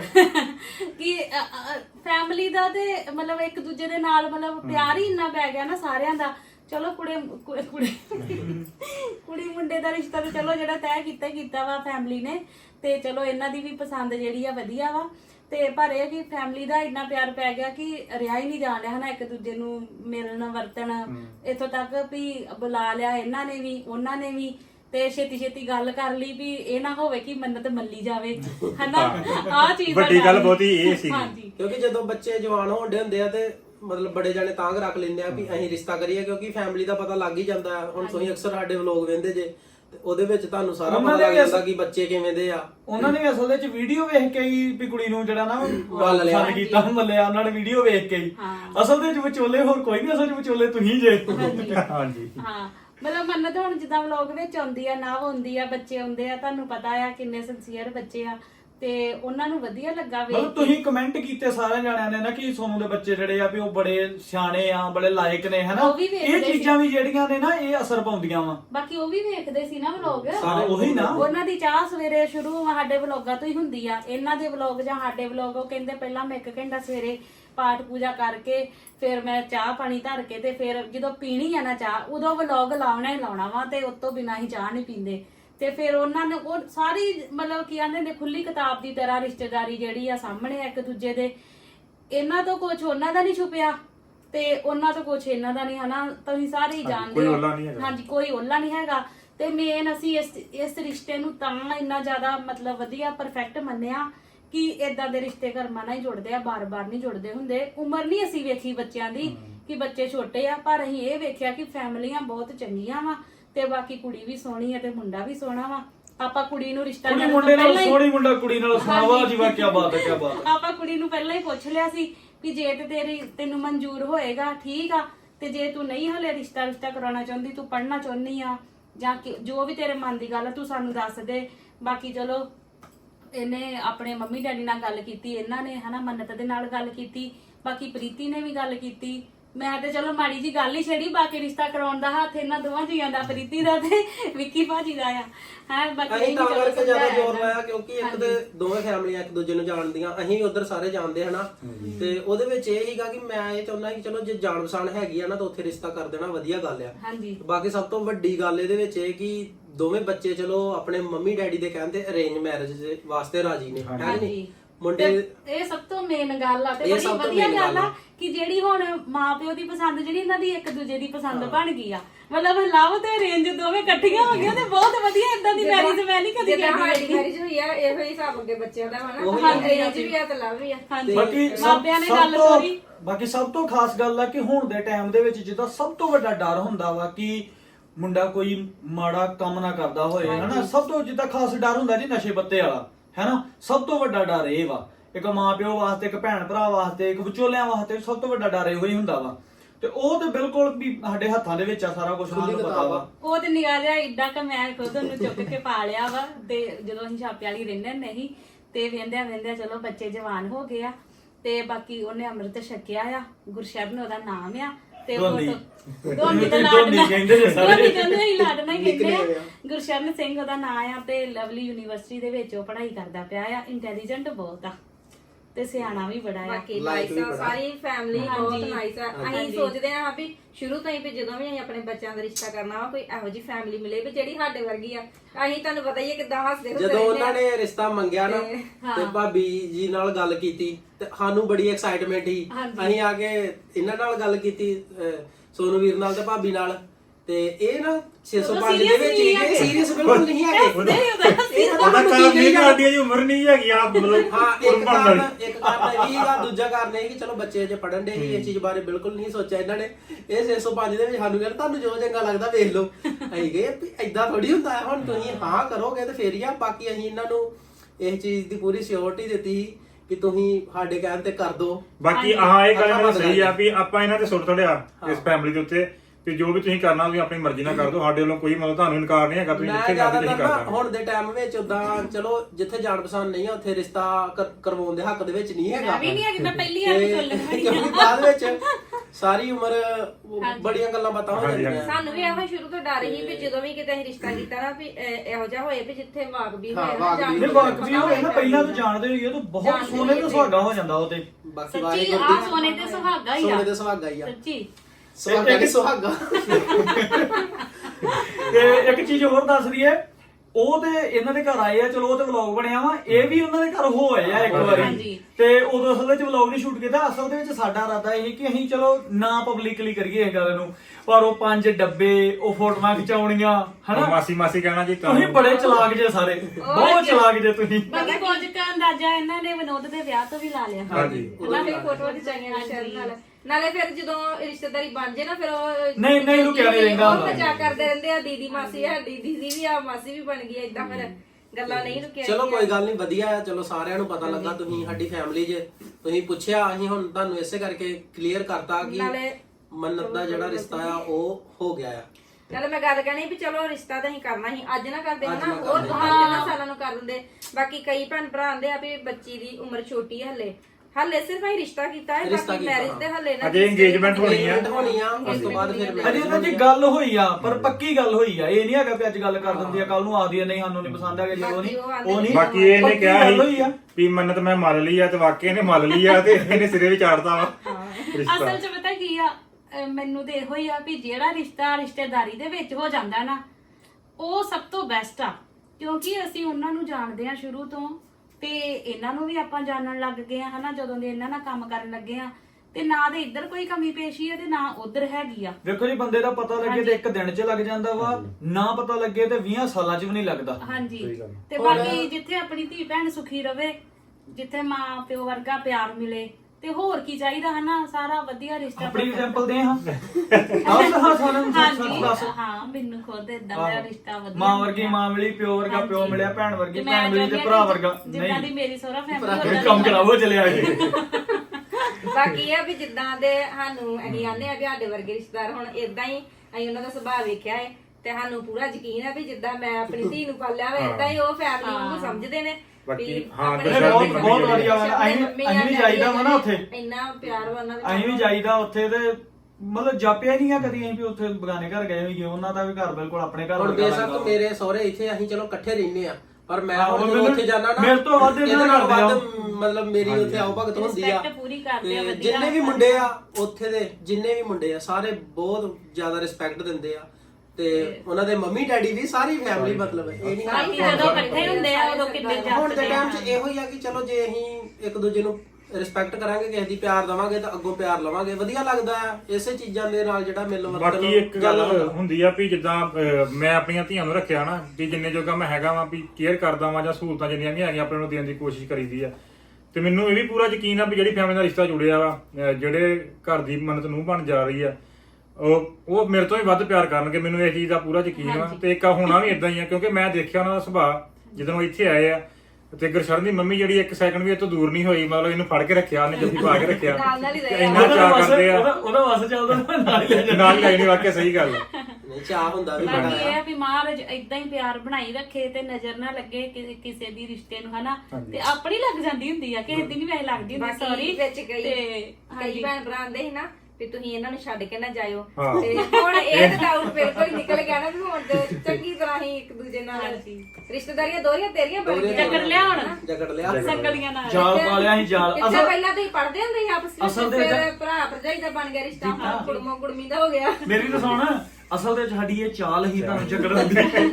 ਕਿ ਫੈਮਿਲੀ ਦਾ ਤੇ ਮਤਲਬ ਇੱਕ ਦੂਜੇ ਦੇ ਨਾਲ ਮਤਲਬ ਪਿਆਰ ਹੀ ਇੰਨਾ ਪੈ ਗਿਆ ਨਾ ਸਾਰਿਆਂ ਦਾ। ਚਲੋ ਕੁੜੇ ਕੁੜੇ ਕੁੜੀ ਮੁੰਡੇ ਦਾ ਰਿਸ਼ਤਾ ਤੇ ਚਲੋ ਜਿਹੜਾ ਤੈਅ ਕੀਤਾ ਕੀਤਾ ਵਾ ਫੈਮਿਲੀ ਨੇ, ਤੇ ਚਲੋ ਇਹਨਾਂ ਦੀ ਵੀ ਪਸੰਦ ਜਿਹੜੀ ਆ ਵਧੀਆ ਵਾ। ਤੇ ਪਰ ਇਹ ਕਿ ਫੈਮਿਲੀ ਦਾ ਇੰਨਾ ਪਿਆਰ ਪੈ ਗਿਆ ਕਿ ਰਿਹਾ ਹੀ ਨਹੀਂ ਜਾਣ ਰਿਹਾ ਹਨਾ, ਇੱਕ ਦੂਜੇ ਨੂੰ ਮਿਲਣ ਵਰਤਣ। ਇੱਥੋਂ ਤੱਕ ਵੀ ਬੁਲਾ ਲਿਆ ਇਹਨਾਂ ਨੇ ਵੀ ਉਹਨਾਂ ਨੇ ਵੀ, ਤੇ ਛੇਤੀ ਛੇਤੀ ਗੱਲ ਕਰ ਲਈ ਵੀ ਇਹ ਨਾ ਹੋਵੇ ਕਿ ਮੰਨਤ ਮੱਲੀ ਜਾਵੇ ਹਨਾ। ਆਹ ਚੀਜ਼ ਵੱਡੀ ਗੱਲ ਬਹੁਤੀ ਇਹ ਸੀ ਹਾਂਜੀ ਕਿਉਂਕਿ ਜਦੋਂ ਬੱਚੇ ਜਵਾਨ ਹੋਣਦੇ ਹੁੰਦੇ ਆ ਤੇ ਮਤਲਬ ਬੜੇ ਜਾਣੇ ਤਾਂ ਰੱਖ ਲੈਂਦੇ ਆ ਵੀ ਅਸੀਂ ਰਿਸ਼ਤਾ ਕਰੀਏ, ਕਿਉਂਕਿ ਫੈਮਿਲੀ ਦਾ ਪਤਾ ਲੱਗ ਹੀ ਜਾਂਦਾ। ਹੁਣ ਤੁਸੀਂ ਅਕਸਰ ਸਾਡੇ ਵਲੋਗ ਵੇਖਦੇ ਜੇ ਤੇ ਉਹਦੇ ਵਿੱਚ ਤੁਹਾਨੂੰ ਸਾਰਾ ਪਤਾ ਲੱਗ ਜਾਂਦਾ ਕਿ ਬੱਚੇ ਕਿਵੇਂ ਦੇ ਆ। ਉਹਨਾਂ ਨੇ ਅਸਲ ਵਿੱਚ ਵੀਡੀਓ ਵੇਖ ਕੇ ਹੀ ਵੀ ਕੁੜੀ ਨੂੰ ਜਿਹੜਾ ਨਾ ਵੱਲ ਲਿਆ ਪਸੰਦ ਕੀਤਾ ਮੱਲਿਆ, ਉਹਨਾਂ ਨੇ ਵੀਡੀਓ ਵੇਖ ਕੇ ਹੀ। ਅਸਲ ਦੇ ਵਿੱਚ ਵਿਚੋਲੇ ਹੋਰ ਕੋਈ ਨਹੀਂ, ਅਸਲ ਵਿੱਚ ਵਿਚੋਲੇ ਤੁਸੀਂ ਜੇ। ਹਾਂਜੀ ਹਾਂ ਮਤਲਬ ਮੰਨਤ ਹੁਣ ਜਿੱਦਾਂ ਵਲੌਗ ਵਿੱਚ ਆਉਂਦੀ ਆ, ਨਾਵ ਹੁੰਦੀ ਆ, ਬੱਚੇ ਆਉਂਦੇ ਆ, ਤੁਹਾਨੂੰ ਪਤਾ ਆ ਕਿੰਨੇ ਸਿੰਸੀਅਰ ਬੱਚੇ ਆ ਤੇ ਉਹਨਾਂ ਨੂੰ ਵਧੀਆ ਲੱਗਾ ਵੇਖ ਮਤਲਬ ਤੁਸੀਂ ਕਮੈਂਟ ਕੀਤੇ ਸਾਰੇ ਜਾਣਿਆਂ ਨੇ ਨਾ ਕਿ ਸੋਨੂ ਦੇ ਬੱਚੇ ਜਿਹੜੇ ਆ ਵੀ ਉਹ ਬੜੇ ਸਿਆਣੇ ਆ, ਬੜੇ ਲਾਇਕ ਨੇ ਹਨਾ। ਉਹ ਵੀ ਵੇਖਦੇ ਇਹ ਚੀਜ਼ਾਂ ਵੀ ਜਿਹੜੀਆਂ ਨੇ ਨਾ ਇਹ ਅਸਰ ਪਾਉਂਦੀਆਂ ਵਾ। ਬਾਕੀ ਉਹ ਵੀ ਵੇਖਦੇ ਸੀ ਨਾ ਵਲੌਗ, ਸਾਰੇ ਉਹੀ ਨਾ। ਉਹਨਾਂ ਦੀ ਚਾਹ ਸਵੇਰੇ ਸ਼ੁਰੂ ਸਾਡੇ ਵਲੌਗਾਂ ਤੋਂ ਹੀ ਹੁੰਦੀ ਆ। ਇਹਨਾਂ ਦੇ ਵਲੌਗ ਜਾਂ ਸਾਡੇ ਵਲੌਗ ਉਹ ਕਹਿੰਦੇ ਪਹਿਲਾਂ ਮੈਂ ਇੱਕ ਘੰਟਾ ਸਵੇਰੇ ਪਾਠ ਪੂਜਾ ਕਰਕੇ ਫਿਰ ਮੈਂ ਚਾਹ ਪਾਣੀ ਧਰ ਕੇ ਤੇ ਫਿਰ ਜਦੋਂ ਪੀਣੀ ਆ ਨਾ ਚਾਹ ਉਦੋਂ ਵਲੌਗ ਲਾਉਣਾ ਹੀ ਲਾਉਣਾ ਵਾ, ਤੇ ਉਸ ਤੋਂ ਬਿਨਾਂ ਹੀ ਚਾਹ ਨਹੀਂ ਪੀਂਦੇ। ਤੇ ਫਿਰ ਉਹਨਾਂ ਨੇ ਉਹ ਸਾਰੀ ਮਤਲਬ ਕੀ ਕਹਿੰਦੇ ਨੇ ਖੁੱਲੀ ਕਿਤਾਬ ਦੀ ਤਰ੍ਹਾਂ ਰਿਸ਼ਤੇਦਾਰੀ ਜਿਹੜੀ ਆ ਸਾਹਮਣੇ ਇੱਕ ਦੂਜੇ ਦੇ। ਇਹਨਾਂ ਤੋਂ ਕੁਝ ਉਹਨਾਂ ਦਾ ਨਹੀਂ ਛੁਪਿਆ ਤੇ ਉਹਨਾਂ ਤੋਂ ਕੁਝ ਇਹਨਾਂ ਦਾ ਨਹੀਂ ਹਨਾ। ਤੁਸੀਂ ਸਾਰੇ ਹੀ ਜਾਣਦੇ ਹੋ ਹਾਂਜੀ ਕੋਈ ਓਲਾ ਨਹੀਂ ਹੈਗਾ। ਤੇ ਮੇਨ ਅਸੀਂ ਇਸ ਇਸ ਰਿਸ਼ਤੇ ਨੂੰ ਤਾਂ ਇੰਨਾ ਜ਼ਿਆਦਾ ਮਤਲਬ ਵਧੀਆ ਪਰਫੈਕਟ ਮੰਨਿਆ ਕਿ ਏਦਾਂ ਦੇ ਰਿਸ਼ਤੇ ਕਰਮਾਂ ਨਾਲ ਹੀ ਜੁੜਦੇ ਆ, ਬਾਰ-ਬਾਰ ਨਹੀਂ ਜੁੜਦੇ ਹੁੰਦੇ। ਉਮਰ ਨਹੀਂ ਅਸੀਂ ਵੇਖੀ ਬੱਚਿਆਂ ਦੀ ਕਿ ਬੱਚੇ ਛੋਟੇ ਆ, ਪਰ ਅਸੀਂ ਇਹ ਵੇਖਿਆ ਕਿ ਫੈਮਲੀਆਂ ਬਹੁਤ ਚੰਗੀਆਂ ਵਾ ਤੇ ਬਾਕੀ ਕੁੜੀ ਵੀ ਸੋਹਣੀ ਆ ਤੇ ਮੁੰਡਾ ਵੀ ਸੋਹਣਾ ਵਾ। ਆਪਾਂ ਕੁੜੀ ਨੂੰ ਰਿਸ਼ਤਾ ਕੁੜੀ ਮੁੰਡੇ ਨਾਲ ਸੋਹਣੀ, ਮੁੰਡਾ ਕੁੜੀ ਨਾਲ ਸੋਹਣਾ। ਵਾਹ ਜੀ ਵਾਹ, ਕੀ ਬਾਤ ਹੈ, ਕੀ ਬਾਤ ਹੈ। ਆਪਾਂ ਕੁੜੀ ਨੂੰ ਪਹਿਲਾਂ ਹੀ ਪੁੱਛ ਲਿਆ ਸੀ ਕਿ ਜੇ ਤੇ ਤੇਰੀ ਤੈਨੂੰ ਮਨਜ਼ੂਰ ਹੋਏਗਾ ਠੀਕ ਆ, ਤੇ ਜੇ ਤੂੰ ਨਹੀਂ ਹਲੇ ਰਿਸ਼ਤਾ ਰਿਸ਼ਤਾ ਕਰਾਉਣਾ ਚਾਹੁੰਦੀ, ਤੂੰ ਪੜ੍ਹਨਾ ਚਾਹੁੰਦੀ ਆ ਜਾਂ ਜੋ ਵੀ ਤੇਰੇ ਮਨ ਦੀ ਗੱਲ ਆ ਤੂੰ ਸਾਨੂੰ ਦੱਸ ਦੇ। ਬਾਕੀ ਚਲੋ ਇਹਨੇ ਆਪਣੇ ਮੰਮੀ ਡੈਡੀ ਨਾਲ ਗੱਲ ਕੀਤੀ, ਇਹਨਾਂ ਨੇ ਹਨਾ ਮੰਨਤ ਦੇ ਨਾਲ ਗੱਲ ਕੀਤੀ, ਬਾਕੀ ਪ੍ਰੀਤੀ ਨੇ ਵੀ ਗੱਲ ਕੀਤੀ। ਮੈਂ ਤੇ ਚਲੋ ਮਾੜੀ ਜੀ ਗੱਲ ਹੀ ਛੇੜੀ, ਬਾਕੀ ਰਿਸ਼ਤਾ ਕਰਾਉਣ ਦਾ ਹੱਥ ਇਹਨਾਂ ਦੋਵਾਂ ਜੀਆਂ ਦਾ, ਪ੍ਰੀਤੀ ਦਾ ਤੇ ਵਿੱਕੀ ਭਾਜੀ ਦਾ ਆ ਹੈ। ਬਾਕੀ ਅਸੀਂ ਤਾਂ ਕਰਕੇ ਜ਼ਿਆਦਾ ਜ਼ੋਰ ਲਾਇਆ ਕਿਉਂਕਿ ਇੱਕ ਤੇ ਦੋਵੇਂ ਫੈਮਲੀਆਂ ਇੱਕ ਦੂਜੇ ਨੂੰ ਜਾਣਦੀਆਂ, ਅਸੀਂ ਵੀ ਉਧਰ ਸਾਰੇ ਜਾਣਦੇ ਹਨਾ। ਤੇ ਉਹਦੇ ਵਿੱਚ ਇਹ ਹੀਗਾ ਕਿ ਮੈਂ ਇਹ ਚਾਹੁੰਦਾ ਕਿ ਚਲੋ ਜੇ ਜਾਣ ਪਛਾਣ ਹੈਗੀ ਆ ਨਾ ਤਾਂ ਉੱਥੇ ਰਿਸ਼ਤਾ ਕਰ ਦੇਣਾ ਵਧੀਆ ਗੱਲ ਆ। ਹਾਂਜੀ ਬਾਕੀ ਸਭ ਤੋਂ ਵੱਡੀ ਗੱਲ ਇਹਦੇ ਵਿੱਚ ਇਹ ਕਿ ਦੋਵੇਂ ਬੱਚੇ ਚਲੋ ਆਪਣੇ ਮੰਮੀ ਡੈਡੀ ਦੇ ਕਹਿੰਦੇ ਅਰੇਂਜ ਮੈਰਿਜ ਦੇ ਵਾਸਤੇ ਰਾਜੀ ਨੇ ਹੈ ਨਹੀਂ, ਮੁੰਡੇ ਇਹ ਸਭ ਤੋਂ ਮੇਨ ਗੱਲ ਆ ਤੇ ਇਹ ਬੜੀ ਸਭ ਤੋਂ ਵਧੀਆ main ਗੱਲ ਗੱਲ ਆ ਆ। ਕਿ ਜਿਹੜੀ ਹੁਣ ਮਾਪਿਓ ਦੀ ਪਸੰਦ ਜਿਹੜੀ ਇਹਨਾਂ ਦੀ ਇੱਕ ਦੂਜੇ ਦੀ ਪਸੰਦ ਬਣ ਗਈ ਆ ਮਤਲਬ ਲਵ ਤੇ ਰੇਂਜ ਦੋਵੇਂ ਇਕੱਠੀਆਂ ਹੋ ਗਈਆਂ ਤੇ ਬਹੁਤ ਵਧੀਆ ਇਦਾਂ ਦੀ ਮੈਰਿਜ ਮੈਂ ਨਹੀਂ ਕਦੀ ਜਿੱਦਾਂ ਸਾਡੀ ਦੇਖੀ ਮੈਰਿਜ ਹੋਈ ਆ ਇਹੋ ਹੀ ਹਿਸਾਬ ਅੱਗੇ ਬੱਚਿਆਂ ਦਾ ਵਾ ਨਾ ਉਹੀ ਹਾਂ ਰੇਂਜ ਵੀ ਆ ਤੇ ਲਵ ਵੀ ਆ ਹਾਂਜੀ ਬਾਕੀ ਸਭ ਮਾਪਿਆਂ ਨੇ ਸਭ ਗੱਲ ਤੋਂ ਤੋਰੀ ਬਾਕੀ ਸਭ ਤੋਂ ਖਾਸ ਗੱਲ ਆ ਕਿ ਹੁਣ ਦੇ ਟਾਈਮ ਦੇ ਵਿੱਚ ਜਿੱਦਾਂ ਸਭ ਤੋਂ ਵੱਡਾ ਡਰ ਹੁੰਦਾ ਵਾ ਕਿ ਮੁੰਡਾ ਕੋਈ ਮਾੜਾ ਕੰਮ ਨਾ ਕਰਦਾ ਹੋਏ ਹਨਾ ਸਭ ਤੋਂ ਜਿੱਦਾਂ ਖਾਸ ਡਰ ਹੁੰਦਾ ਜੀ ਨਸ਼ੇ ਪੱਤੇ ਵਾਲਾ ਹੈਨਾ ਸਭ ਤੋਂ ਵੱਡਾ ਡਰ ਇਹ ਵਾ ਇੱਕ ਮਾਂ ਪਿਓ ਵਾਸਤੇ ਇੱਕ ਭੈਣ ਭਰਾ ਵਾਸਤੇ ਇੱਕ ਵਿਚੋਲਿਆਂ ਵਾਸਤੇ ਸਭ ਤੋਂ ਵੱਡਾ ਡਰ ਇਹੋ ਹੀ ਹੁੰਦਾ ਵਾ ਤੇ ਉਹ ਤੇ ਬਿਲਕੁਲ ਵੀ ਸਾਡੇ ਹੱਥਾਂ ਦੇ ਵਿੱਚ ਆ ਸਾਰਾ ਕੁਝ ਸਾਨੂੰ ਪਤਾ ਵਾ ਉਹ ਤੇ ਨਿਗਾਹ ਜਿਹਾ ਏਡਾ ਕ ਮੈਂ ਖੁਦ ਉਹਨੂੰ ਚੁੱਕ ਕੇ ਪਾ ਲਿਆ ਵਾ ਤੇ ਜਦੋਂ ਅਸੀਂ ਛਾਪੇ ਵਾਲੀ ਰਹਿੰਦੇ ਨਹੀਂ ਤੇ ਵੇਂਦਿਆਂ ਵੇਂਦਿਆਂ ਚਲੋ ਬੱਚੇ ਜਵਾਨ ਹੋ ਗਏ ਆ ਤੇ ਬਾਕੀ ਉਹਨੇ ਅੰਮ੍ਰਿਤ ਛਕਿਆ ਆ ਗੁਰਸ਼ਰਨ ਉਹਦਾ ਨਾਮ ਆ ਤੇ ਉਹ ਧੋਨੀ। ਦੋਨੀ ਦਾ ਧੋਨੀ ਲਾਡਨਾ ਕਹਿੰਦੇ ਨੇ ਸਾਰੇ। ਦੋਨੀ ਕਹਿੰਦੇ ਹੀ ਲਾਡਨਾ ਹੀ ਕਹਿੰਦੇ ਆ ਨਿਕਨੇਮ ਆ। ਗੁਰਸ਼ਰਨ ਸਿੰਘ ਉਹਦਾ ਨਾਮ ਆ ਤੇ ਲਵਲੀ ਯੂਨੀਵਰਸਿਟੀ ਦੇ ਵਿੱਚ ਉਹ ਪੜ੍ਹਾਈ ਕਰਦਾ ਪਿਆ ਆ ਇੰਟੈਲੀਜੈਂਟ ਬਹੁਤ ਆ ਤੇ ਸਿਆਣਾ ਵੀ ਬੜਾ ਆ ਬਾਕੀ Like ਨਾਈਸ ਵੀ ਆ ਬੜਾ। ਸਾਰੀ ਫੈਮਿਲੀ ਬਹੁਤ ਹਾਂਜੀ। ਨਾਈਸ ਆ ਅਸੀਂ ਹਾਂਜੀ। ਸੋਚਦੇ ਆ ਵੀ ਸ਼ੁਰੂ ਤੋਂ ਹੀ ਵੀ ਜਦੋਂ ਵੀ ਅਸੀਂ ਆਪਣੇ ਬੱਚਿਆਂ ਦਾ ਰਿਸ਼ਤਾ ਕਰਨਾ ਵਾ ਕੋਈ ਇਹੋ ਜਿਹੀ ਫੈਮਿਲੀ ਮਿਲੇ ਵੀ ਜਿਹੜੀ ਸਾਡੇ ਵਰਗੀ ਆ ਅਸੀਂ ਤੁਹਾਨੂੰ ਪਤਾ ਹੀ ਹੈ ਕਿਦਾਂ ਹੱਸਦੇ ਹੁੰਦੇ ਜਦੋਂ ਰਹਿੰਦੇ ਆ। ਉਹਨਾਂ ਨੇ ਰਿਸ਼ਤਾ ਮੰਗਿਆ ਨਾ ਤੇ- ਤੇ ਭਾਬੀ ਜੀ ਨਾਲ ਗੱਲ ਕੀਤੀ ਤੇ ਸਾਨੂੰ ਬੜੀ ਐਕਸਾਈਟਮੈਂਟ ਸੀ ਹਾਂਜੀ। ਅਸੀਂ ਆ ਕੇ ਇਹਨਾਂ ਨਾਲ ਗੱਲ ਕੀਤੀ ਅਹ, ਸੋਨੂ ਵੀਰ ਨਾਲ ਤੇ ਭਾਬੀ ਨਾਲ ਤੇ ਇਹ ਨਾ ਛੇ ਸੌ ਪੰਜ ਦੇ ਵਿੱਚ ਇਹ ਸੀਰੀਅਸ ਬਿਲਕੁਲ ਨਹੀਂ ਹੈਗੇ ਨਹੀਂ ਉਹਦਾ ਇਹ ਤਾਂ ਉਹਦਾ ਤੁਹਾਨੂੰ ਕਾਰਨ ਕੀ ਨਹੀਂ ਕਹੀਏ ਕਰਦੀ ਜੀ ਉਮਰ ਨਹੀਂ ਹੈਗੀ ਆ ਮਤਲਬ ਹਾਂ ਇੱਕ ਬਣਨ ਕਾਰਨ ਵਾਲੀ। ਇੱਕ ਕਾਰਨ ਇਹ ਵੀ ਆ ਦੂਜਾ ਕਾਰਨ ਇਹ ਕਿ ਚਲੋ ਬੱਚੇ ਜੇ ਪੜਨ ਦੇ ਹੀ ਇਹ ਚੀਜ਼ ਬਾਰੇ ਬਿਲਕੁਲ ਨਹੀਂ ਸੋਚਿਆ ਇਹਨਾਂ ਨੇ ਇਹ ਛੇ ਸੌ ਪੰਜ ਦੇ ਵਿੱਚ ਸਾਨੂੰ ਕਹਿੰਦੇ ਤੁਹਾਨੂੰ ਜੋ ਚੰਗਾ ਲੱਗਦਾ ਵੇਖ ਲਓ ਅਸੀਂ ਗਏ ਵੀ ਏਦਾਂ ਥੋੜੀ ਹੁੰਦਾ ਹੈ ਹੁਣ ਤੁਸੀਂ ਹਾਂ ਕਰੋਗੇ ਤੇ ਫੇਰ ਹੀ ਆ ਬਾਕੀ ਅਸੀਂ ਇਹਨਾਂ ਨੂੰ ਇਸ ਚੀਜ਼ ਦੀ ਪੂਰੀ ਸਿਓਰਟੀ ਦਿੱਤੀ ਸੀ ਕਿ ਤੁਸੀਂ ਸਾਡੇ ਕਹਿਣ ਤੇ ਕਰ ਦੋ ਬਾਕੀ ਆਹ ਇਹ ਗੱਲ ਆਪਾਂ ਇਹਨਾਂ ਦੀ ਸਹੀ ਆ ਬਦਲਾਂਗੇ। ਵੀ ਆਪਾਂ ਇਹਨਾਂ ਤੇ ਸੁੱਟ ਤੜਿਆ ਇਸ ਫੈਮਿਲੀ ਦੇ ਉੱਤੇ ਕਿ ਜੋ ਵੀ ਤੁਸੀਂ ਕਰਨਾ ਤੁਸੀਂ ਆਪਣੀ ਮਰਜ਼ੀ ਨਾਲ ਕਰ ਦਿਓ ਸਾਡੇ ਵੱਲੋਂ ਕੋਈ ਮਤਲਬ ਤੁਹਾਨੂੰ ਇਨਕਾਰ ਨਹੀਂ ਹੈਗਾ ਤੁਸੀਂ ਮੈਂ ਜਿੱਥੇ ਕਰਦੇ ਤੁਸੀਂ ਜ਼ਿਆਦਾਤਰ ਨਾ ਕਰਦਾ ਹੁਣ ਦੇ ਟਾਈਮ ਵਿੱਚ ਉਦਾਂ ਚਲੋ ਜਿੱਥੇ ਜਾਣ ਪਸੰਦ ਨਹੀਂ ਆ ਉੱਥੇ ਰਿਸ਼ਤਾ ਕਰ- ਕਰਵਾਉਣ ਦੇ ਹੱਕ ਦੇ ਵਿੱਚ ਨਹੀਂ ਹੈਗਾ ਮੈਂ ਵੀ ਨਹੀਂ ਹੈਗੀ ਮੈਂ ਪਹਿਲੀ ਵਾਰ ਤੇ ਚੱਲਣ ਵਾਲੀ ਕਿਉਂਕਿ ਬਾਅਦ ਵਿੱਚ ਸਾਰੀ ਉਮਰ ਉਹ ਬੜੀਆਂ ਗੱਲਾਂ ਬਾਤਾਂ ਹੋ ਹਾਂਜੀ, ਜਾਂਦੀਆਂ ਸਾਨੂੰ ਵੀ ਇਹੋ ਸ਼ੁਰੂ ਤੋਂ ਡਰ ਸੀ ਵੀ ਜਦੋਂ ਵੀ ਕਿਤੇ ਅਸੀਂ ਰਿਸ਼ਤਾ ਕੀਤਾ ਨਾ ਵੀ ਅਹ, ਇਹੋ ਜਿਹਾ ਹੋਏ ਵੀ ਜਿੱਥੇ ਵਾਕ ਵੀ ਹਾਂ, ਹੋਏ ਵਾਕ ਨਾ ਵੀ ਜੇ ਵਾਕ ਵੀ ਹੋਏ ਨਾ ਪਹਿਲਾਂ ਤੋਂ ਜਾਣਦੇ ਹੋਈਏ ਤਾਂ ਬਹੁਤ ਜਾਣਦੇ ਸੋਨੇ ਤੋਂ ਹੋਈਏ। ਸੁਹਾਗਾ ਹੋ ਜਾਂਦਾ ਉਹ ਤੇ ਬਾਕੀ ਸੱਚੀ ਵਾਹਿਗੁਰੂ ਆ ਦੀ ਸੋਨੇ ਤੇ ਸੁਹਾਗਾ ਹੀ ਆ ਸੋਨੇ ਦੇ ਸੁਹਾਗਾ ਹੀ ਆ ਸੱਚੀ ਸੁਹਾਗਾ ਨਹੀਂ ਸੁਹਾਗਾ ਤੇ ਇੱਕ ਚੀਜ਼ ਹੋਰ ਦੱਸ ਰਹੀ ਹੈ ਉਹ ਤੇ ਇਹਨਾਂ ਦੇ ਘਰ ਆਏ ਆ ਚਲੋ ਉਹ ਤੇ ਵਲੌਗ ਬਣਿਆ ਵਾ ਇਹ ਵੀ ਉਹਨਾਂ ਦੇ ਘਰ ਹੋਏ ਆ ਇੱਕ ਵਾਰੀ ਹਾਂਜੀ। ਤੇ ਉਦੋਂ ਅਸਲ ਵਿੱਚ ਵਲੌਗ ਨਹੀਂ ਸ਼ੂਟ ਕੀਤਾ ਅਸਲ ਦੇ ਵਿੱਚ ਸਾਡਾ ਇਰਾਦਾ ਇਹ ਕਿ ਅਸੀਂ ਚਲੋ ਨਾ ਪਬਲਿਕਲੀ ਕਰੀਏ ਇਹ ਗੱਲ ਨੂੰ ਪਰ ਉਹ ਪੰਜ ਡੱਬੇ ਉਹ ਫੋਟੋਆਂ ਖਿਚਾਉਣੀਆਂ ਹਨਾ ਮਾਸੀ ਮਾਸੀ ਕਹਿਣਾ ਜੀ ਤੁਸੀਂ ਕੰਮ ਬੜੇ ਚਲਾਕ ਜੇ ਸਾਰੇ ਬਹੁਤ ਚਲਾਕ ਜੇ ਤੁਸੀਂ ਬਾਕੀ ਕੁਝ ਕੁ ਅੰਦਾਜ਼ਾ ਇਹਨਾਂ ਨੇ ਵਿਨੋਦ ਦੇ ਵਿਆਹ ਤੋਂ ਵੀ ਲਾ ਲਿਆ ਹਾਂਜੀ ਉਹਨਾਂ ਨੇ ਫੋਟੋ ਖਿਚਾਈਆਂ ਸ਼ਰਨ ਨਾਲ ਨਾਲੇ ਫਿਰ ਜਦੋਂ ਰਿਸ਼ਤੇਦਾਰੀ ਬਣ ਜੇ ਨਾ ਫਿਰ ਉਹ ਨਹੀਂ- ਨਹੀਂ ਲੁਕਿਆ ਨਹੀਂ ਰਹਿੰਦਾ ਉਹ ਹੁੰਦਾ। ਮਜ਼ਾਕ ਕਰਦੇ ਰਹਿੰਦੇ ਆ ਦੀਦੀ ਮਾਸੀ ਹੈ ਦੀਦੀ ਵੀ ਆ ਮਾਸੀ ਵੀ ਬਣ ਗਈ ਇਦਾਂ ਫਿਰ ਗੱਲਾਂ ਨਹੀਂ ਲੁਕਿਆ ਚਲੋ ਕੋਈ ਗੱਲ ਨਹੀਂ ਵਧੀਆ ਆ ਚਲੋ ਸਾਰਿਆਂ ਨੂੰ ਪਤਾ ਲੱਗਾ ਤੁਸੀਂ ਸਾਡੀ ਫੈਮਿਲੀ 'ਚ ਤੁਸੀਂ ਪੁੱਛਿਆ ਅਸੀਂ ਹੁਣ ਤੁਹਾਨੂੰ ਇਸੇ ਕਰਕੇ ਕਲੀਅਰ ਕਰਤਾ ਕਿ ਨਾਲੇ ਮੰਨਤ ਦਾ ਜਿਹੜਾ ਰਿਸ਼ਤਾ ਆ ਉਹ ਹੋ ਗਿਆ ਆ ਨਾਲੇ ਮੈਂ ਗੱਲ ਕਹਿਣੀ ਵੀ ਚਲੋ ਰਿਸ਼ਤਾ ਤਾਂ ਅਸੀਂ ਕਰਨਾ ਸੀ ਅੱਜ ਨਾ ਕਰਦੇ ਅੱਜ ਨਾ ਨਾ ਹੋਰ ਕਰਦੇ। ਬਾਅਦ ਕਿੰਨਾ ਸਾਲਾਂ ਨੂੰ ਕਰ ਦਿੰਦੇ ਬਾਕੀ ਕਈ ਭੈਣ ਭਰਾ ਆਂਦੇ ਆ ਵੀ ਬੱਚੀ ਦੀ ਉਮਰ ਛੋਟੀ ਹੈ ਹਲੇ ਹਲੇ ਸਿਰਫ ਅਸੀਂ ਰਿਸ਼ਤਾ ਕੀਤਾ ਹੈ ਰਿਸ਼ਤਾ ਬਾਕੀ ਕੀਤਾ, ਮੈਰਿਜ ਤੇ ਹਲੇ ਨਾ ਅਜੇ engagement ਹੋਣੀ ਆ। Engagement ਹੋਣੀ ਆ ਉਸ ਤੋਂ ਬਾਅਦ ਫਿਰ ਅਜੇ ਉਹਨਾਂ ਦੀ ਗੱਲ ਹੋਈ ਆ ਪਰ ਪੱਕੀ ਗੱਲ ਹੋਈ ਆ ਇਹ ਨਹੀਂ ਹੈਗਾ ਵੀ ਅੱਜ ਗੱਲ ਕਰ ਦਿੰਦੀ ਆ ਕੱਲ ਨੂੰ ਆਦੀ ਆ ਨਹੀਂ ਸਾਨੂੰ ਨਹੀਂ ਪਸੰਦ ਹੈਗਾ ਜਦੋਂ ਨਹੀਂ ਉਹ ਨਹੀਂ ਬਾਕੀ ਇਹ ਇਹਨੇ ਪੱਕੀ ਕਿਹਾ ਗੱਲ ਹੋਈ ਆ। ਸੀ ਵੀ ਮੰਨਤ ਮੈਂ ਮੰਨ ਲਈ ਆ ਤੇ ਵਾਕਈ ਇਹਨੇ ਮੰਨ ਲਈ ਆ ਤੇ ਇਹਨੇ ਸਿਰੇ ਵੀ ਚਾੜਤਾ ਵਾ ਰਿਸ਼ਤਾ ਅਸਲ 'ਚ ਪਤਾ ਕੀ ਆ ਅਹ ਮੈਨੂੰ ਤੇ ਇਹੋ ਹੀ ਆ ਵੀ ਜਿਹੜਾ ਰਿਸ਼ਤਾ ਰਿਸ਼ਤੇਦਾਰੀ ਦੇ ਵਿੱਚ ਹੋ ਜਾਂਦਾ ਨਾ ਉਹ ਸਭ ਤੋਂ ਬੈਸਟ ਆ ਕਿਉਂਕਿ ਅਸੀਂ ਉਹਨਾਂ ਨੂੰ ਜਾਣਦੇ ਆ ਸ਼ੁਰੂ ਤੋਂ ਤੇ ਇਹਨਾਂ ਨੂੰ ਵੀ ਆਪਾਂ ਜਾਣਨ ਲੱਗ ਗਏ ਆ ਹਨਾ ਜਦੋਂ ਦੇ ਇਹਨਾਂ ਨਾਲ ਕੰਮ ਕਰਨ ਲੱਗੇ ਆ ਤੇ ਨਾ ਤੇ ਇੱਧਰ ਕੋਈ ਕਮੀ ਪੇਸ਼ੀ ਹੈ ਤੇ ਨਾ ਉੱਧਰ ਹੈਗੀ ਆ ਵੇਖੋ ਜੀ ਬੰਦੇ ਦਾ ਪਤਾ ਲੱਗੇ ਤੇ ਇੱਕ ਦਿਨ 'ਚ ਲੱਗ ਜਾਂਦਾ ਵਾ ਨਾ ਪਤਾ ਲੱਗੇ ਤੇ ਵੀਹ ਸਾਲਾਂ 'ਚ ਵੀ ਨਹੀਂ ਲੱਗਦਾ ਹਾਂਜੀ ਸਹੀ ਗੱਲ। ਤੇ ਬਾਕੀ ਜਿੱਥੇ ਆਪਣੀ ਧੀ ਭੈਣ ਸੁਖੀ ਰਵੇ ਜਿੱਥੇ ਮਾਂ ਪਿਓ ਵਰਗਾ ਪਿਆਰ ਮਿਲੇ ਤੇ ਹੋਰ ਕੀ ਚਾਹੀਦਾ ਹਨਾ ਸਾਰਾ ਵਧੀਆ ਰਿਸ਼ਤਾ ਆਪਣੀ ਐਗਜ਼ਾਮਪਲ ਦੇ ਹਾਂ ਦੱਸ ਹਾਂ ਸਾਨੂੰ ਸੱਚ ਹਾਂਜੀ ਦੱਸ ਹਾਂ ਮੈਨੂੰ ਖੁਦ ਇਦਾਂ ਦਾ ਰਿਸ਼ਤਾ ਵਧੀਆ ਮਾਂ ਵਰਗੀ ਮਾਂ ਮਿਲੀ ਪਿਓ ਵਰਗਾ ਪਿਓ ਹਾਂਜੀ। ਮਿਲਿਆ ਭੈਣ ਵਰਗੀ ਤੇ ਮੈਂ ਭੈਣ ਮਿਲੀ ਤੇ ਚਾਹੁੰਦੀ ਭਰਾ ਹਾਂ ਵਰਗਾ ਕਿ ਜਿੱਦਾਂ ਦੀ ਨਹੀਂ ਮੇਰੀ ਸਹੁਰਾ ਇਹ ਫੈਮਿਲੀ ਕੰਮ ਖਰਾਬ ਚਲਿਆ ਜੀ ਬਾਕੀ ਇਹ ਆ ਵੀ ਜਿੱਦਾਂ ਦੇ ਸਾਨੂੰ ਅਸੀਂ ਆਨੇ ਆ ਵੀ ਸਾਡੇ ਵਰਗੇ ਰਿਸ਼ਤੇਦਾਰ ਹੁਣ ਇਦਾਂ ਹੀ ਅਸੀਂ ਉਹਨਾਂ ਦਾ ਸੁਭਾਅ ਵੇਖਿਆ ਹੈ ਤੇ ਸਾਨੂੰ ਪੂਰਾ ਯਕੀਨ ਹੈ ਵੀ ਜਿੱਦਾਂ ਮੈਂ ਆਪਣੀ ਧੀ ਨੂੰ ਪਾਲਿਆ ਹੋਇਆ ਇਦਾਂ ਹੀ ਉਹ ਫੈਮਿਲੀ ਨੂੰ ਸਮਝਦੇ ਨੇ ਬਾਕੀ ਵੀ ਹਾਂ, ਆਪਣੇ ਦਰਸ਼ਕ ਬਹੁਤ ਦੀ ਬਹੁਤ ਮੰਮੀ ਵਧੀਆ ਵਾ। ਅਸੀਂ ਅਸੀਂ ਵੀ ਜਾਈਦਾ ਵਾ ਨਾ ਉੱਥੇ ਇੰਨਾ ਪਿਆਰ ਵਾ ਉਹਨਾਂ ਅਸੀਂ ਵੀ ਜਾਈਦਾ ਉੱਥੇ ਤੇ ਮਤਲਬ ਜਾਪਿਆ ਹੀ ਨਹੀਂ ਆ ਕਦੀ ਅਸੀਂ ਵੀ ਉੱਥੇ ਬਗਾਨੇ ਘਰ ਗਏ ਹੋਈਏ ਉਹਨਾਂ ਦਾ ਵੀ ਘਰ ਬਿਲਕੁਲ ਆਪਣੇ ਘਰ ਹੁਣ ਵਰਗਾ ਬੇਸ਼ੱਕ ਲੱਗਦਾ ਵਾ। ਮੇਰੇ ਸਹੁਰੇ ਇੱਥੇ ਅਸੀਂ ਚਲੋ ਇਕੱਠੇ ਰਹਿੰਦੇ ਆ ਪਰ ਮੈਂ ਹਾਂ, ਹੁਣ ਉਹ ਜਦੋਂ ਮੈਨੂੰ- ਉੱਥੇ ਜਾਣਾ ਨਾ ਮੇਰੇ ਤੋਂ ਵੱਧ ਇਹਨਾਂ ਇਹਦੇ ਨਾਲ ਕਰਦੇ ਆ। ਵੱਧ ਮਤਲਬ ਮੇਰੀ ਉੱਥੇ ਆਓ ਭਗਤ ਹੁੰਦੀ ਆ Respect ਪੂਰੀ ਕਰਦੇ ਆ, ਤੇ ਵਧੀਆ ਜਿੰਨੇ ਵੀ ਮੁੰਡੇ ਆ ਉੱਥੇ ਦੇ ਜਿੰਨੇ ਵੀ ਮੁੰਡੇ ਆ ਸਾਰੇ ਬਹੁਤ ਜ਼ਿਆਦਾ ਰਿਸਪੈਕਟ ਦਿੰਦੇ ਆ ਤੇ ਉਹਨਾਂ ਦੇ ਮੰਮੀ ਡੈਡੀ ਵੀ ਸਾਰੀ ਫੈਮਿਲੀ ਮਤਲਬ ਇਹ ਨਹੀਂ ਬਾਕੀ ਜਦੋਂ ਇਕੱਠੇ ਹੁੰਦੇ ਆ ਉਦੋਂ ਕਿੰਨੇ ਹੁਣ ਦੇ ਜਾਂਦੇ ਟਾਈਮ ਆ 'ਚ ਇਹੋ ਹੀ ਆ ਕਿ ਚਲੋ ਜੇ ਅਸੀਂ ਇੱਕ ਦੂਜੇ ਨੂੰ ਰਿਸਪੈਕਟ ਕਰਾਂਗੇ, ਕਿਸੇ ਦੀ ਪਿਆਰ ਦਵਾਂਗੇ ਤਾਂ ਅੱਗੋਂ ਪਿਆਰ ਲਵਾਂਗੇ, ਵਧੀਆ ਲੱਗਦਾ ਆ। ਇਸੇ ਚੀਜ਼ਾਂ ਦੇ ਨਾਲ ਜਿਹੜਾ ਮਿਲ ਵਰਤਨ ਬਾਕੀ ਇੱਕ ਗੱਲ ਹੁੰਦੀ ਆ ਵੀ ਜਿੱਦਾਂ ਅਹ, ਮੈਂ ਆਪਣੀਆਂ ਧੀਆਂ ਨੂੰ ਰੱਖਿਆ ਨਾ ਵੀ ਜਿੰਨੇ ਜੋਗਾ ਮੈਂ ਹੈਗਾ ਵਾਂ ਵੀ ਕੇਅਰ ਕਰਦਾ ਵਾਂ ਜਾਂ ਸਹੂਲਤਾਂ ਜਿੰਨੀਆਂ ਵੀ ਹੈਗੀਆਂ ਆਪਣੇ ਨੂੰ ਦੇਣ ਦੀ ਕੋਸ਼ਿਸ਼ ਕਰੀਦੀ ਆ। ਤੇ ਮੈਨੂੰ ਇਹ ਵੀ ਪੂਰਾ ਯਕੀਨ ਆ ਵੀ ਜਿਹੜੀ ਫੈਮਿਲੀ ਦਾ ਰਿਸ਼ਤਾ ਜੁੜਿਆ ਵਾ, ਅਹ, ਜਿਹੜੇ ਘਰ ਦੀ ਮੰਨਤ ਨੂੰ ਬਣ ਜਾ ਰਹੀ ਆ, ਉਹ ਉਹ ਮੇਰੇ ਤੋਂ ਵੀ ਵੱਧ ਪਿਆਰ ਕਰਨਗੇ, ਮੈਨੂੰ ਇਹ ਚੀਜ਼ ਦਾ ਪੂਰਾ ਯਕੀਨ ਵਾ। ਤੇ ਇੱਕ ਹੋਣਾ ਵੀ ਇਦਾਂ ਹੀ ਆ ਕਿਉਂਕਿ ਮੈਂ ਦੇਖਿਆ ਉਹਨਾਂ ਦਾ ਸੁਭਾਅ ਜਦੋਂ ਉਹ ਇੱਥੇ ਆਏ ਆ। ਤੇ ਗੁਰਸ਼ਰਨ ਦੀ ਮੰਮੀ ਜਿਹੜੀ ਇੱਕ ਸੈਕਿੰਡ ਵੀ ਇਹ ਤੋਂ ਦੂਰ ਨਹੀਂ ਹੋਈ, ਮਤਲਬ ਇਹਨੂੰ ਫੜ ਕੇ ਰੱਖਿਆ, ਉਹਨੇ ਜੱਫੀ ਪਾ ਕੇ ਰੱਖਿਆ, ਨਾਲ ਨਾਲ ਹੀ ਤੇ ਰਹੇ ਆ। ਇੰਨਾ ਚਾਅ ਕਰਦੇ ਆ, ਉਹਦਾ ਉਹਦਾ ਵਸ ਚੱਲਦਾ ਨਾ, ਨਾਲ ਹੀ ਲੈ ਜਾਂਦਾ। ਨਾਲ ਹੀ ਨਹੀਂ, ਵਾਕਿਆ ਸਹੀ ਗੱਲ ਆ। ਨਹੀਂ ਚਾਹ ਹੁੰਦਾ ਵੀ ਬੜਾ ਬਾਕੀ ਇਹ ਆ। ਆ ਵੀ ਮਹਾਰਾਜ ਇਦਾਂ ਹੀ ਪਿਆਰ ਬਣਾਈ ਰੱਖੇ ਤੇ ਨਜ਼ਰ ਨਾ ਲੱਗੇ ਕਿ- ਕਿਸੇ ਦੀ ਰਿਸ਼ਤੇ ਨੂੰ, ਹਨਾ। ਤੇ ਆਪਣੀ ਲੱਗ ਜਾਂਦੀ ਹੁੰਦੀ ਆ, ਕਿਸੇ ਦੀ ਨਹੀਂ ਵੈਸੇ ਲੱਗਦੀ ਹੁੰਦੀ, ਬਾਕੀ ਸੌਰੀ। ਵਿੱਚ ਕਈ ਤੇ ਕਈ ਭੈਣ ਭਰਾ ਆਂਦੇ ਸੀ ਨਾ ਵੀ ਤੁਸੀਂ ਇਹਨਾਂ ਨੂੰ ਛੱਡ ਕੇ ਨਾ ਜਾਇਓ, ਹਾਂ। ਤੇ ਹੁਣ ਇਹ ਤਾਂ ਡਾਊਟ ਬਿਲਕੁਲ ਹੀ ਨਿਕਲ ਗਿਆ ਨਾ ਵੀ ਹੁਣ ਤੇ ਚੰਗੀ ਤਰ੍ਹਾਂ ਹੀ ਇੱਕ ਦੂਜੇ ਨਾਲ ਰਿਸ਼ਤੇਦਾਰੀਆਂ ਦੋਹਰੀਆਂ ਤੇਰੀਆਂ ਬਣ ਗਈਆਂ। ਜਕੜ ਲਿਆ ਹੁਣ ਜਕੜ ਲਿਆ ਸੰਗਲੀਆਂ ਨਾਲ। ਜਾਲ ਪਾ ਲਿਆ ਸੀ ਜਾਲ। ਕਿੱਥੇ ਅਸਲ ਪਹਿਲਾਂ ਤੁਸੀਂ ਪੜਦੇ ਹੁੰਦੇ ਸੀ ਆਪਸ ਅਸਲ ਵਿੱਚ, ਦੇ ਫਿਰ ਵਿੱਚ- ਭਰਾ ਭਰਜਾਈ ਦਾ ਬਣ ਗਿਆ ਰਿਸ਼ਤਾ, ਹੁਣ ਕੁੜਮੋ ਕੁੜਮੀ ਦਾ ਹੋ ਗਿਆ। ਮੇਰੀ ਤਾਂ ਸੁਣ, ਅਸਲ ਦੇ ਵਿੱਚ ਸਾਡੀ ਇਹ ਚਾਲ ਹੀ ਤੁਹਾਨੂੰ ਝਗੜਨ ਦੀ।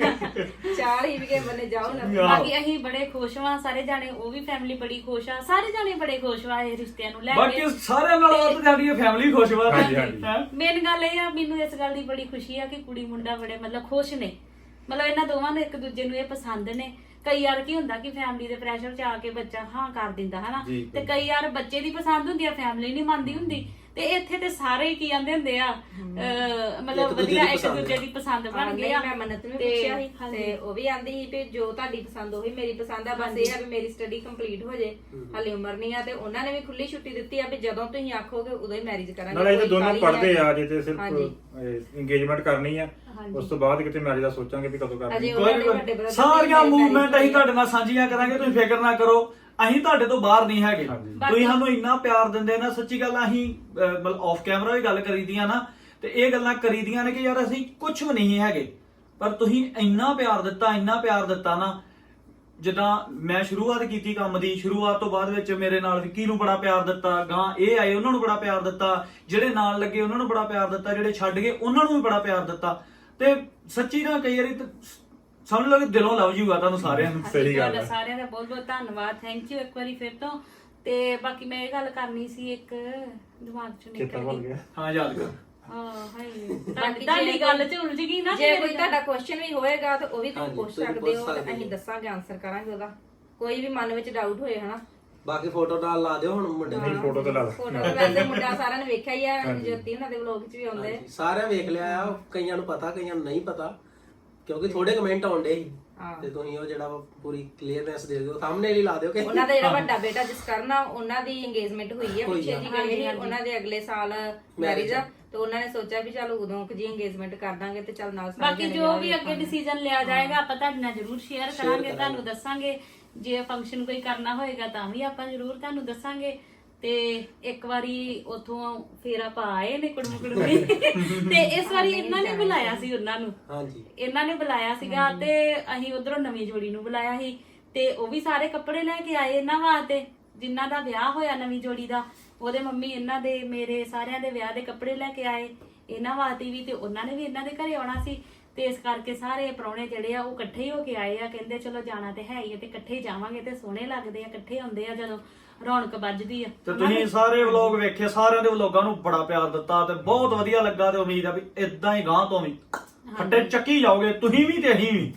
ਚਾਰ ਹੀ ਵੀ ਕੇ ਬੰਨੇ ਜਾਓ ਨਾ। ਬਾਕੀ ਅਸੀਂ ਬੜੇ ਖੁਸ਼ ਹਾਂ ਸਾਰੇ ਜਾਣੇ, ਉਹ ਵੀ ਫੈਮਿਲੀ ਬੜੀ ਖੁਸ਼ ਆ, ਸਾਰੇ ਜਾਣੇ ਬੜੇ ਖੁਸ਼ ਆ ਇਹ ਰਿਸ਼ਤਿਆਂ ਨੂੰ ਲੈ ਬਾਕੀ ਕੇ। ਸਾਰਿਆਂ ਨਾਲ ਵੱਧ ਸਾਡੀ ਇਹ ਫੈਮਿਲੀ ਖੁਸ਼ ਵਾ। ਹਾਂਜੀ, ਹਾਂਜੀ। ਹੈਂ? ਮੇਨ ਗੱਲ ਇਹ ਆ, ਮੈਨੂੰ ਇਸ ਗੱਲ ਦੀ ਬੜੀ ਖੁਸ਼ੀ ਆ ਕਿ ਕੁੜੀ ਮੁੰਡਾ ਬੜੇ ਮਤਲਬ ਖੁਸ਼ ਨੇ, ਮਤਲਬ ਇਹਨਾਂ ਦੋਵਾਂ ਨੂੰ ਇੱਕ ਦੂਜੇ ਨੂੰ ਇਹ ਪਸੰਦ ਨੇ। ਕਈ ਵਾਰ ਕੀ ਹੁੰਦਾ ਕਿ ਫੈਮਿਲੀ ਦੇ ਪ੍ਰੈਸ਼ਰ ਚ ਆ ਕੇ ਬੱਚਾ ਹਾਂ ਕਰ ਦਿੰਦਾ, ਹਨਾ। ਜੀ, ਤੇ ਕਈ ਵਾਰ ਬੱਚੇ ਦੀ ਪਸੰਦ ਹੁੰਦੀ ਆ, ਫੈਮਿਲੀ ਨਹੀਂ ਮੰਨਦੀ ਹੁੰਦੀ। ਤੇ ਇੱਥੇ ਤੇ ਸਾਰੇ ਹੀ ਕੀ ਆਂਦੇ ਹੁੰਦੇ ਆ, ਅਹ, ਮਤਲਬ ਇੱਕ ਦੂਜੇ ਵਧੀਆ ਦੀ ਇੱਕ ਪਸੰਦ ਦੂਜੇ ਦੀ ਪਸੰਦ ਬਣ ਨਹੀਂ, ਗਈ ਆ। ਮੈਂ ਮੰਨਤ ਨੂੰ ਤੇ- ਪੁੱਛਿਆ ਸੀ ਹਾਂਜੀ। ਤੇ ਉਹ ਵੀ ਆਂਦੀ ਸੀ ਵੀ ਜੋ ਤੁਹਾਡੀ ਪਸੰਦ ਉਹੀ ਮੇਰੀ ਪਸੰਦ ਆ, ਬਸ ਇਹ ਆ ਵੀ ਮੇਰੀ ਸਟੱਡੀ ਕੰਪਲੀਟ ਹੋ ਜੇ, ਹਾਲੇ ਉਮਰ ਨਹੀਂ ਆ। ਤੇ ਉਹਨਾਂ ਨੇ ਵੀ ਖੁੱਲੀ ਛੁੱਟੀ ਦਿੱਤੀ ਆ ਵੀ ਜਦੋਂ ਤੁਸੀਂ ਆਖੋਗੇ ਉਦੋਂ ਹੀ ਮੈਰਿਜ ਕਰਾਂਗੇ। ਨਾਲੇ ਇਹ ਕੋਈ ਦੋਨੋਂ ਕਾਹਲੀ ਪੜ੍ਹਦੇ ਨਹੀਂ ਆ, ਜੇ ਤੇ ਹਾਂਜੀ। ਸਿਰਫ ਇੰਗੇਜਮੈਂਟ ਕਰਨੀ ਆ, ਉਸ ਤੋਂ ਬਾਅਦ ਕਿਤੇ ਮੈਰਿਜ ਦਾ ਸੋਚਾਂਗੇ ਵੀ ਕਦੋਂ ਕਰਨੀ ਅਜੇ ਆ। ਉਹਨਾਂ ਕੋਈ ਦੇ ਗੱਲ ਵੱਡੇ ਨੀ। brother ਦੀ ਸਾਰੀਆਂ marriage ਮੂਵਮੈਂਟ ਅਸੀਂ ਹੋਈ ਆ। ਤੁਹਾਡੇ ਨਾਲ ਸਾਂਝੀਆਂ ਕਰਾਂਗੇ, ਤੁਸੀਂ ਫਿਕਰ ਨਾ ਕਰੋ। ਅਸੀਂ ਤੁਹਾਡੇ ਤੋਂ ਬਾਹਰ ਨਹੀਂ ਹੈਗੇ। ਹਾਂਜੀ। ਤੁਸੀਂ ਸਾਨੂੰ ਇੰਨਾ ਪਿਆਰ ਦਿੰਦੇ ਨਾ, ਸੱਚੀ ਗੱਲ ਆ, ਅਸੀਂ ਅਹ, ਮਤਲਬ ਆਫ ਕੈਮਰਾ ਵੀ ਗੱਲ ਕਰੀਦੀਆਂ ਨਾ, ਤੇ ਇਹ ਗੱਲਾਂ ਕਰੀਦੀਆਂ ਨੇ ਕਿ ਯਾਰ ਅਸੀਂ ਕੁਝ ਵੀ ਨਹੀਂ ਹੈਗੇ, ਪਰ ਤੁਸੀਂ ਇੰਨਾ ਪਿਆਰ ਦਿੱਤਾ, ਇੰਨਾ ਪਿਆਰ ਦਿੱਤਾ ਨਾ। ਜਿੱਦਾਂ ਮੈਂ ਸ਼ੁਰੂਆਤ ਕੀਤੀ ਕੰਮ ਦੀ, ਸ਼ੁਰੂਆਤ ਤੋਂ ਬਾਅਦ ਵਿੱਚ ਮੇਰੇ ਨਾਲ ਵਿੱਕੀ ਨੂੰ ਬੜਾ ਪਿਆਰ ਦਿੱਤਾ, ਗਾਂ ਇਹ ਆਏ ਉਹਨਾਂ ਨੂੰ ਬੜਾ ਪਿਆਰ ਦਿੱਤਾ, ਜਿਹੜੇ ਨਾਲ ਲੱਗੇ ਉਹਨਾਂ ਨੂੰ ਬੜਾ ਪਿਆਰ ਦਿੱਤਾ, ਜਿਹੜੇ ਛੱਡ ਗਏ ਉਹਨਾਂ ਨੂੰ ਵੀ ਬੜਾ ਪਿਆਰ ਦਿੱਤਾ। ਤੇ ਸੱਚੀ ਨਾ ਕਈ ਵਾਰੀ ਤਾਂ ਸਮਝ ਲਓ ਕਿ ਦਿਲੋਂ ਲਵ ਜੂਗਾ ਤੁਹਾਨੂੰ ਸਾਰਿਆਂ ਨੂੰ। ਸਹੀ ਗੱਲ ਤੁਹਾਡਾ ਹੈ। ਸਾਰਿਆਂ ਦਾ ਬਹੁਤ ਬਹੁਤ ਧੰਨਵਾਦ, ਥੈਂਕ ਯੂ ਇੱਕ ਵਾਰੀ ਫਿਰ ਤੋਂ। ਤੇ ਬਾਕੀ ਮੈਂ ਇਹ ਗੱਲ ਕਰਨੀ ਸੀ, ਇੱਕ ਦਿਮਾਗ ਚੋਂ ਚੇਤਾ ਨਿਕਲ ਭੁੱਲ ਗਈ। ਗਿਆ। ਹਾਂ, ਯਾਦ ਕਰ। ਹਾਂ ਹਾਏ, ਬਾਕੀ ਤੁਹਾਡੀ ਜੇ ਗੱਲ ਚ ਉਲਝ ਗਈ ਨਾ। ਜੇ ਮੇਰੀ ਕੋਈ ਗੱਲ। ਤੁਹਾਡਾ ਕੁਐਸਚਨ ਵੀ ਹੋਏਗਾ ਤਾਂ ਉਹ ਵੀ ਤੁਸੀਂ ਹਾਂਜੀ, ਪੁੱਛ ਤੁਸੀਂ ਸਕਦੇ ਪੁੱਛ ਹੋ, ਤੇ ਸਕਦੇ ਅਸੀਂ ਹੋ। ਦੱਸਾਂਗੇ, ਆਨਸਰ ਕਰਾਂਗੇ ਉਹਦਾ। ਕੋਈ ਵੀ ਮਨ ਵਿੱਚ ਡਾਊਟ ਹੋਏ ਹਨਾ। ਬਾਕੀ ਫੋਟੋ ਨਾਲ ਲਾ ਦਿਓ ਹੁਣ ਮੁੰਡੇ ਨਹੀਂ, ਦੀ। ਫੋਟੋ ਤੇ ਲਾ ਫੋਟੋ ਤਾਂ ਵੈਸੇ ਮੁੰਡਾ ਸਾਰਿਆਂ ਨੇ ਵੇਖਿਆ ਹੀ ਆ, ਹਾਂਜੀ। ਜੋਤੀ ਉਹਨਾਂ ਦੇ ਵਲੌਗ 'ਚ ਵੀ ਆਉਂਦੇ। ਹਾਂਜੀ, ਸਾਰਿਆਂ ਵੇਖ ਲਿਆ ਆ, ਕਈਆਂ ਨੂੰ ਪਤਾ ਕਈਆਂ ਨੂੰ ਨਹੀਂ ਪਤਾ, ਕਿਉਂਕਿ ਥੋੜੇ ਕਮੈਂਟ ਆਉਂਦੇ ਸੀ। ਹਾਂ। ਤੇ ਤੁਸੀਂ ਉਹ ਜਿਹੜਾ ਵਾ ਪੂਰੀ ਕਲੀਅਰਨੈਸ ਦੇ ਦਿਓ, ਸਾਹਮਣੇ ਹੀ ਲਾ ਦਿਓ ਕਿ ਉਹਨਾਂ ਦਾ ਜਿਹੜਾ ਵੱਡਾ ਬੇਟਾ ਜਿਸ ਕਰਨਾ, ਉਹਨਾਂ ਦੀ ਇੰਗੇਜਮੈਂਟ ਹੋਈ ਹੈ ਹੋਈ ਪਿੱਛੇ ਆ। ਜੀ ਗਏ ਸੀ, ਉਹਨਾਂ ਦੇ ਅਗਲੇ ਸਾਲ ਮੈਰਿਜ ਆ। ਤੇ ਉਹਨਾਂ ਨੇ ਸੋਚਿਆ ਵੀ ਚਲ ਉਦੋਂ ਕੁ ਜੀ ਇੰਗੇਜਮੈਂਟ ਕਰ ਦਾਂਗੇ ਤੇ ਚਲ ਨਾਲ ਸਾਰੇ ਬਾਕੀ ਜਣੇ ਜੋ ਵਿਆਹ ਵੀ ਅੱਗੇ ਵੇਖਾਂਗੇ। ਡਿਸੀਜਨ ਲਿਆ ਜਾਏਗਾ ਆਪਾਂ ਤੁਹਾਡੇ ਨਾਲ ਜ਼ਰੂਰ ਸ਼ੇਅਰ Share ਕਰਾਂਗੇ, ਕਰਾਂਗੇ। ਤੁਹਾਨੂੰ ਦੱਸਾਂਗੇ। ਜੇ ਫੰਕਸ਼ਨ ਕੋਈ ਕਰਨਾ ਹੋਏਗਾ ਤਾਂ ਵੀ ਆਪਾਂ ਜ਼ਰੂਰ ਤੁਹਾਨੂੰ ਦੱਸਾਂਗੇ। ਤੇ ਇੱਕ ਵਾਰੀ ਉਥੋਂ ਫੇਰ ਆਪਾਂ ਆਏ ਨੇ ਕੁੜਮ ਕੁੜਮੀ ਤੇ ਇਸ ਵਾਰੀ ਇਹਨਾਂ ਨੇ ਬੁਲਾਇਆ ਸੀ ਉਹਨਾਂ ਨੂੰ। ਹਾਂਜੀ, ਇਹਨਾਂ ਨੇ ਬੁਲਾਇਆ ਸੀਗਾ ਤੇ ਅਸੀਂ ਉਧਰੋਂ ਨਵੀਂ ਜੋੜੀ ਨੂੰ ਬੁਲਾਇਆ ਸੀ, ਤੇ ਉਹ ਵੀ ਸਾਰੇ ਕੱਪੜੇ ਲੈ ਕੇ ਆਏ ਇਹਨਾਂ ਵਾਸਤੇ, ਜਿਨ੍ਹਾਂ ਦਾ ਵਿਆਹ ਹੋਇਆ ਨਵੀਂ ਜੋੜੀ ਦਾ। ਉਹਦੇ ਮੰਮੀ ਇਹਨਾਂ ਦੇ ਮੇਰੇ ਸਾਰਿਆਂ ਦੇ ਵਿਆਹ ਦੇ ਕੱਪੜੇ ਲੈ ਕੇ ਆਏ ਇਹਨਾਂ ਵਾਸਤੇ ਵੀ, ਤੇ ਉਹਨਾਂ ਨੇ ਵੀ ਇਹਨਾਂ ਦੇ ਘਰੇ ਆਉਣਾ ਸੀ। ਤੇ ਇਸ ਕਰਕੇ ਸਾਰੇ ਪ੍ਰਾਹੁਣੇ ਜਿਹੜੇ ਆ ਉਹ ਇਕੱਠੇ ਹੀ ਹੋ ਕੇ ਆਏ ਆ। ਕਹਿੰਦੇ ਚਲੋ ਜਾਣਾ ਤੇ ਹੈ ਹੀ ਆ, ਤੇ ਇਕੱਠੇ ਹੀ ਜਾਵਾਂਗੇ ਤੇ ਸੋਹਣੇ ਲੱਗਦੇ ਆ, ਇਕੱਠੇ ਹੁੰਦੇ ਆ ਜਦੋਂ ਰੌਣਕ ਵੱਜਦੀ ਆ। ਤੇ ਤੁਸੀਂ ਸਾਰੇ ਵਲੌਗ ਵੇਖੇ, ਸਾਰਿਆਂ ਦੇ ਵਲੌਗਾਂ ਨੂੰ ਬੜਾ ਪਿਆਰ ਦਿੱਤਾ ਤੇ ਬਹੁਤ ਵਧੀਆ ਲੱਗਾ, ਤੇ ਉਮੀਦ ਆ ਵੀ ਇਦਾਂ ਹੀ ਗਾਂ ਤੋਂ ਵੀ ਫੱਟੇ ਚੱਕੀ ਜਾਓਗੇ ਤੁਸੀਂ ਵੀ ਤੇ ਅਸੀਂ ਵੀ।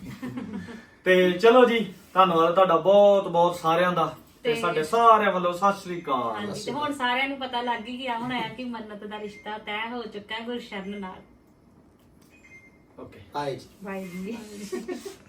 ਤੇ ਚਲੋ ਜੀ, ਧੰਨਵਾਦ ਤੁਹਾਡਾ ਬਹੁਤ ਬਹੁਤ ਸਾਰਿਆਂ ਦਾ, ਤੇ ਸਾਡੇ ਸਾਰਿਆਂ ਵੱਲੋਂ ਸਤਿ ਸ੍ਰੀ ਅਕਾਲ। ਹਾਂਜੀ, ਤੇ ਹੁਣ ਸਾਰਿਆਂ ਨੂੰ ਪਤਾ ਲੱਗ ਹੀ ਗਿਆ ਹੁਣ ਆ ਕਿ ਮੰਨਤ ਦਾ ਰਿਸ਼ਤਾ ਤੈਅ ਹੋ ਚੁੱਕਾ ਹੈ ਗੁਰਸ਼ਰਨ ਨਾਲ। ਓਕੇ, ਬਾਏ ਜੀ। ਬਾਈ ਜੀ।